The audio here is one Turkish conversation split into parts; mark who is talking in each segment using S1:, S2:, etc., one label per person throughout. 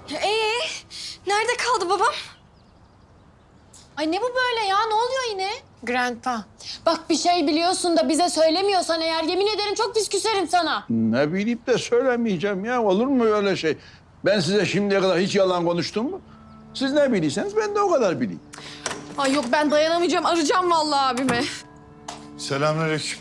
S1: Nerede kaldı babam?
S2: Ay ne bu böyle ya? Ne oluyor yine? Grandpa, bak bir şey biliyorsun da bize söylemiyorsan eğer yemin ederim çok pis küserim sana.
S3: Ne bileyim de söylemeyeceğim ya. Olur mu öyle şey? Ben size şimdiye kadar hiç yalan konuştum mu? Siz ne bilirseniz ben de o kadar bileyim.
S1: Ay yok ben dayanamayacağım. Arayacağım vallahi abimi.
S4: Selamünaleyküm.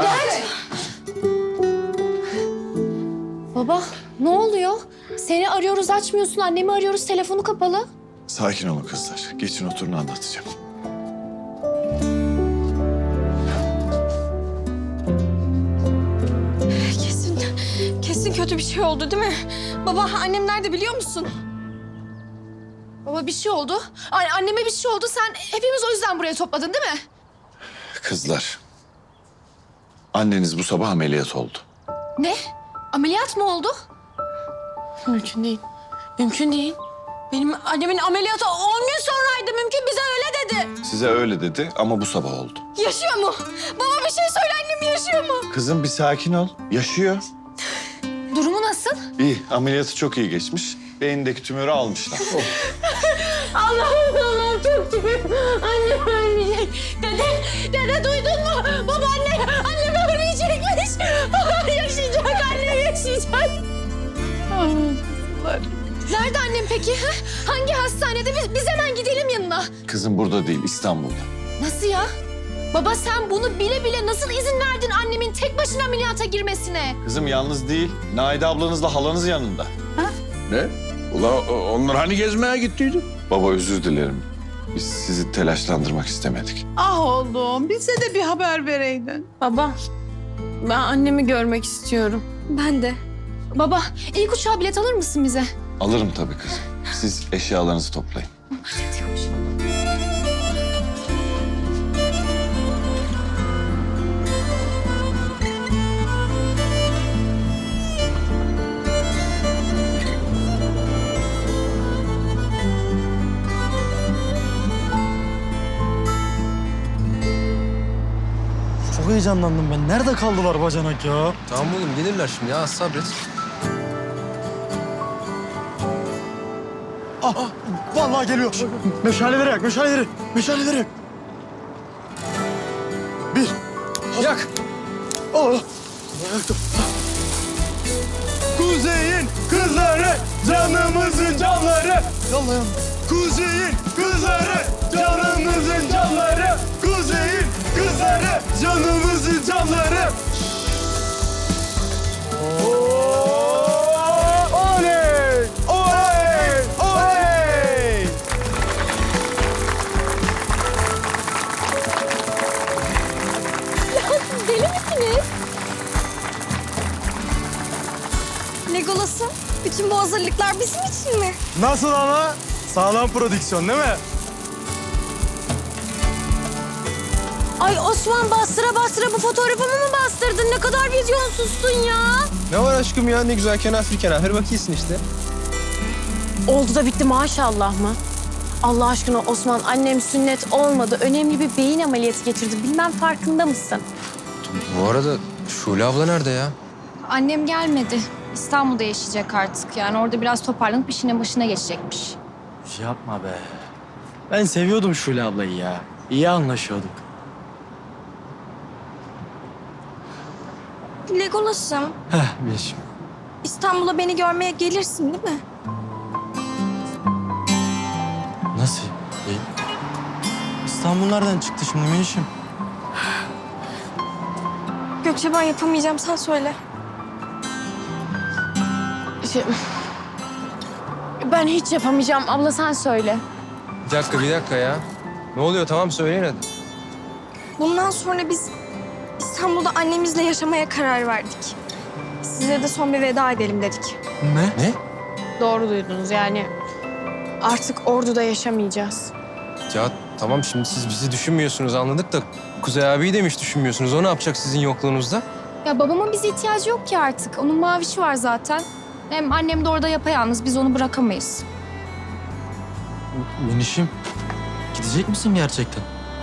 S2: Baba, ne oluyor? Seni arıyoruz açmıyorsun, annemi arıyoruz telefonu kapalı.
S4: Sakin olun kızlar. Geçin oturun anlatacağım.
S1: Kesin kötü bir şey oldu değil mi? Baba annem nerede biliyor musun?
S2: Baba bir şey oldu. Anneme bir şey oldu. Sen hepimiz o yüzden buraya topladın değil mi?
S4: Kızlar. Anneniz bu sabah ameliyat oldu.
S2: Ne? Ameliyat mı oldu? Mümkün değil. Mümkün değil. Benim annemin ameliyatı 10 gün sonraydı. Mümkün bize öyle dedi.
S4: Size öyle dedi ama bu sabah oldu.
S1: Yaşıyor mu? Baba bir şey söyle annem yaşıyor mu?
S4: Kızım bir sakin ol. Yaşıyor.
S2: Durumu nasıl?
S4: İyi. Ameliyatı çok iyi geçmiş. Beyindeki tümörü almışlar.
S2: Allah'ım çok şükür. Annem ölmeyecek. Dede duydun mu? Annem ölmeyecekmiş. Babam yaşayacak, annem yaşayacak. Nerede annem peki? Ha? Hangi hastanede? Biz hemen gidelim yanına.
S4: Kızım burada değil, İstanbul'da.
S2: Nasıl ya? Baba sen bunu bile bile nasıl izin verdin annemin tek başına ameliyata girmesine?
S4: Kızım yalnız değil. Naide ablanızla halanız yanında.
S3: Ne? Ula onlar hani gezmeye gittiydi?
S4: Baba özür dilerim. Biz sizi telaşlandırmak istemedik.
S5: Ah oğlum, bize de bir haber vereydin.
S2: Baba, ben annemi görmek istiyorum.
S1: Ben de.
S2: Baba, ilk uçağa bilet alır mısın bize?
S4: Alırım tabii kızım. Siz eşyalarınızı toplayın.
S6: Çok heyecanlandım ben. Nerede kaldılar bacanak ya?
S7: Tamam oğlum gelirler şimdi ya sabret.
S6: Vallahi geliyor. Meşaleleri yak, meşaleleri. Meşaleleri yak. Bir.
S7: Yak.
S6: Oh. Yaktım. Kuzey'in kızları, canımızın canları. Yallah yandım. Kuzey'in kızları, canımızın canları. Kuzey'in kızları, canımızın canları. Oley! Oley! Oley!
S2: Deli misiniz?
S1: Legolas'ım bütün bu hazırlıklar bizim için mi?
S6: Nasıl ama? Sağlam prodüksiyon değil mi?
S2: Ay Osman bastıra bastıra bu fotoğrafımı mı bastırdın? Ne kadar vizyonsuzsun ya.
S7: Ne var aşkım ya ne güzel kenafir kenafir bakıyorsun işte.
S2: Oldu da bitti maşallah mı? Allah aşkına Osman annem sünnet olmadı. Önemli bir beyin ameliyatı geçirdi. Bilmem farkında mısın?
S7: Bu arada Şule abla nerede ya?
S8: Annem gelmedi. İstanbul'da yaşayacak artık. Yani orada biraz toparlanıp işine başına geçecekmiş.
S6: Yapma be. Ben seviyordum Şule ablayı ya. İyi anlaşıyorduk.
S1: Legolas'ım
S6: Yeşim.
S1: İstanbul'a beni görmeye gelirsin değil mi?
S6: Nasıl? İstanbul nereden çıktı şimdi Yeşim?
S1: Gökçe ben yapamayacağım sen söyle.
S2: Ben hiç yapamayacağım. Abla sen söyle.
S7: Bir dakika ya. Ne oluyor tamam söyleyin hadi.
S1: Bundan sonra biz İstanbul'da annemizle yaşamaya karar verdik. Size de son bir veda edelim dedik.
S7: Ne?
S2: Doğru duydunuz yani. Artık Ordu'da yaşamayacağız.
S7: Ya tamam şimdi siz bizi düşünmüyorsunuz anladık da Kuzey abiyi demiş düşünmüyorsunuz. O ne yapacak sizin yokluğunuzda?
S8: Ya babamın bize ihtiyacı yok ki artık. Onun mavişi var zaten. Hem annem de orada yapayalnız. Biz onu bırakamayız.
S6: Minişim, gidecek misin gerçekten?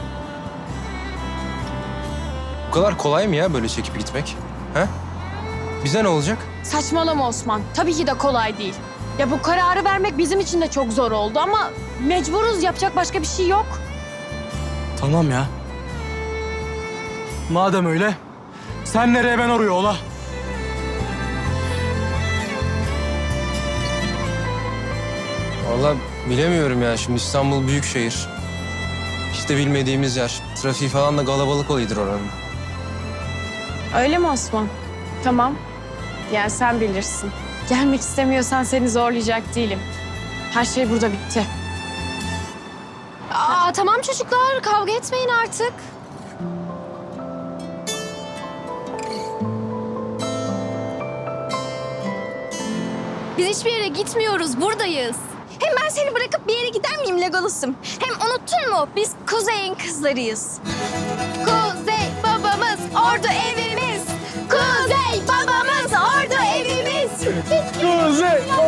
S7: Bu kadar kolay mı ya böyle çekip gitmek? Ha? Bize ne olacak?
S2: Saçmalama Osman. Tabii ki de kolay değil. Ya bu kararı vermek bizim için de çok zor oldu ama mecburuz, yapacak başka bir şey yok.
S6: Tamam ya. Madem öyle, sen nereye ben oraya ola.
S7: Vallahi bilemiyorum ya. Şimdi İstanbul büyük şehir. Hiç de bilmediğimiz yer. Trafiği falan da kalabalık oluyordur oranın.
S2: Öyle mi Osman? Tamam. Yani sen bilirsin. Gelmek istemiyorsan seni zorlayacak değilim. Her şey burada bitti.
S8: Aa, tamam çocuklar, kavga etmeyin artık. Biz hiçbir yere gitmiyoruz, buradayız.
S1: Hem ben seni bırakıp bir yere gider miyim Legolas'ım? Hem unuttun mu? Biz Kuzey'in kızlarıyız.
S8: Kuzey babamız, ordu evimiz. Kuzey babamız, ordu evimiz.
S3: Kuzey